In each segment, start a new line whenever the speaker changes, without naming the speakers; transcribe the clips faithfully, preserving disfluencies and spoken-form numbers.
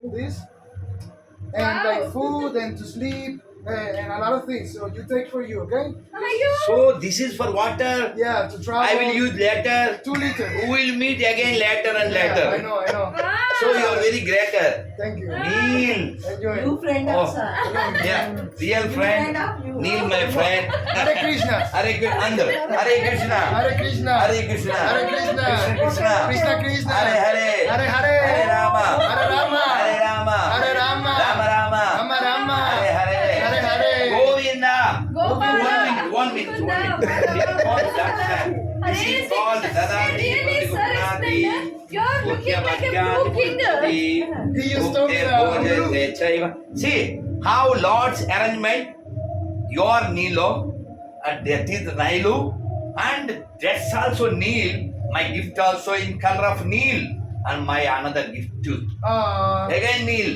this and
Wow.
like food and to sleep uh, and a lot of things. So you take for you, okay?
Are you?
So this is for water.
Yeah, to travel.
I will use later.
Two liters.
We will meet again later and
Yeah,
later.
I know, I know.
Wow.
So you are very greater.
Thank you.
Neil.
Enjoy.
You friend
Oh.
of sir.
Yeah, real
Friend
friend.
of you.
Neil, my friend.
Hare Krishna.
Hare Krishna. Andar. Hare Krishna.
Hare Krishna.
Hare Krishna.
Hare Krishna.
Krishna Krishna.
Krishna Krishna.
Hare Hare.
Hare Hare.
Hare Rama.
Hare Rama.
Hare Rama.
Hare Rama.
Rama Rama.
Rama Rama.
Hare Hare.
Hare Hare.
Govinda.
Gopala.
One minute. One minute. One minute.
Gopala.
This is called Daksha. This
Hare
is called Dadadi.
Really, sir,
Gopinati.
you're looking like a blue king.
He used to be a
See how Lord's arrangement, your Nilo, and that is Nilu, and that's also Neil. My gift also in color of Neil, and my another gift too.
Uh,
Again Neil.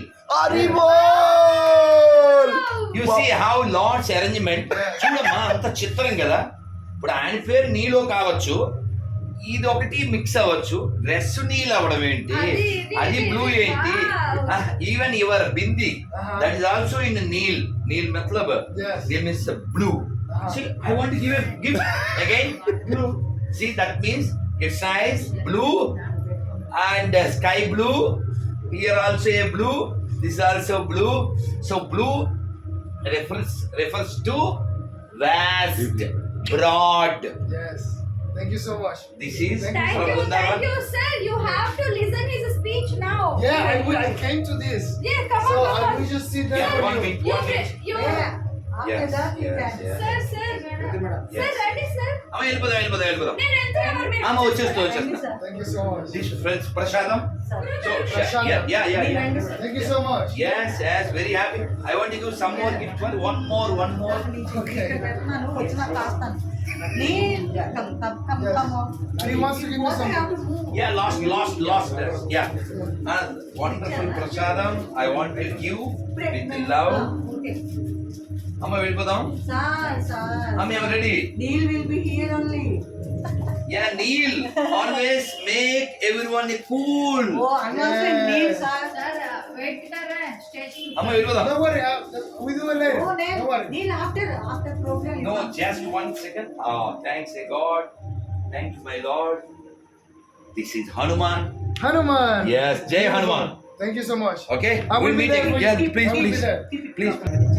Aribol!
You see how Lord's arrangement. చూడమ్మా అంత చిత్రం కదా. ఇప్పుడు ఆయన పేరు నీలో కావచ్చు, ఇది ఒకటి మిక్స్ అవ్వచ్చు. డ్రెస్ నీల్ అవ్వడం ఏంటి,
అది, ఇది,
అది బ్లూ
ఇది.
ఏంటి.
Wow.
Even your bindi
Uh-huh.
That is also in Neil. Neil మతలబ్
Yes.
Name is blue.
Uh-huh.
See, I want to give a gift again. Blue. See, that means it's nice blue and uh, sky blue. Here also a blue. This is also blue. So blue refers refers to vast, broad.
Yes. Thank you so much.
This is
Thank
Thank
from
you, thank
Vrindavan.
you, sir. You have to listen his speech now.
Yeah, I, will- I came to this.
Yeah, come
So
on,
I
come on.
will just sit there
Yeah,
for
one
you.
minute,
You,
one minute.
you,
Yeah. After
Yes,
that you
yes,
can.
yes.
sir, sir,
Yes.
sir, ready, sir?
అమ్మ వెళ్ళిపోదాం వెళ్ళిపోదాం వెళ్ళిపోదాం.
నేను వెళ్తున్నా, మీరు
అమ్మ వచ్చేస్తా
Thank you,
వచ్చేస్తా.
sir.
Thank you so much.
This friends ప్రసాదం.
Sir.
So
Prashadam.
yeah yeah yeah
Thank
yeah.
you, sir.
Thank you so much.
Yes yes very happy. I want to give some more gift for one more one more.
Okay.
పెడుతున్నాను వచ్చిన కాస్తాను నీ come come come
Yes.
Come
He wants to give me something.
Yeah, lost, lost, lost. Yeah. Uh, wonderful prasadam. I want to give with love.
Okay
అమ్మ వెళ్ళిపోదాం.
Sir sir
అమ్మ I'm ready.
Deal will be here only
Yeah, Neil. Always make everyone cool.
Oh అన్నోస్ deal sir
Sir, wait कर रहे हैं station
అమ్మ వెళ్ళిపోదాం.
Don't worry, uh, we do it later.
ఓ నేను
Don't worry.
Deal after after programme
No, just one second. Oh, thanks, eh, God. Thank you, my Lord. This is Hanuman.
Hanuman.
Yes, Jai Hanuman.
Thank you so much.
Okay,
I will
we'll
be
meet
there
again.
for
Yeah,
you.
please,
I will be
please,
there.
please.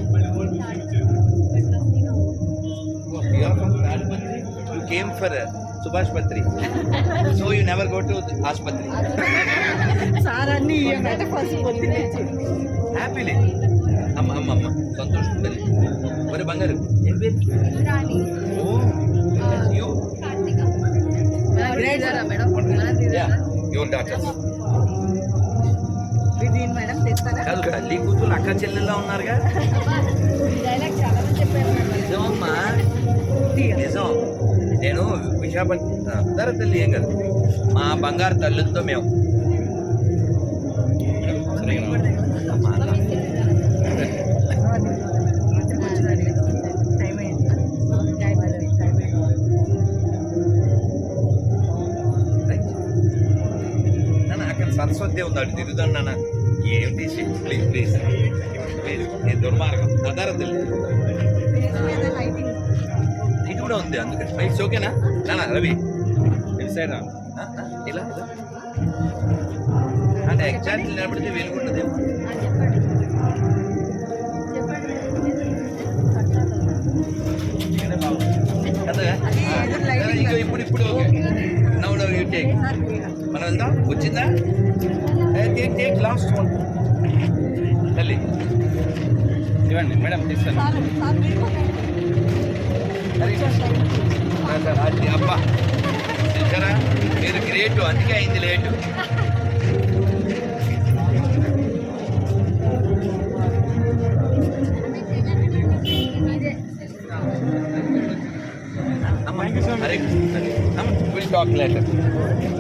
You are from Tadpatri. You came for uh, Subhash Patri. So you never go to the Ashpatri.
Sir అన్ని ఇయ్యండి first
Happily. అమ్మ అమ్మ అమ్మ సంతోషం తల్లి. ఒరే బంగారు ఏం పేరు? Oh you yeah your daughter.
దీని మేడం తెస్తారా
కాదు తల్లి కూతురు అక్క చెల్లెల్లా ఉన్నారుగా. నిజమమ్మా నిజం. నేను విశాఖపట్నం ధర తల్లి ఏం కాదు మా బంగారు తల్లులతో మేము అమ్మా,
టైం అయింది టైం అయింది టైం అయింది
నాన్న అక్కడ సరస్వతి ఉంది అటు తిరుగుతాను నాన్న. ఏమిటి ప్లీజ్ ప్లీజ్ ప్లీజ్ నేను దుర్మార్గం అదార తల్లి
లైటింగ్
ఇటు కూడా ఉంది అందుకని ఇట్స్ ఓకేనా నాన్న రవి ఇటు సైడ్ రా. ఆ, ఆ, ఇలా ఇలా. అంటే ఎగ్జాక్ట్లీ నిలబడితే వెలుగుంటుందేమో. కదా ఇగో ఇప్పుడు ఇప్పుడు ఓకే నవ్వు నవ్వు యూ టేక్. మనం వెళ్దాం వచ్చిందా టేక్ టేక్ లాస్ట్ వన్ తల్లి ఇవ్వండి మేడం తీస్తాను. సార్ అది అబ్బా చూసారా మీరు గ్రేటు అందుకే అయింది లేటు. అమ్మ అరే విల్ టాక్ లేటర్.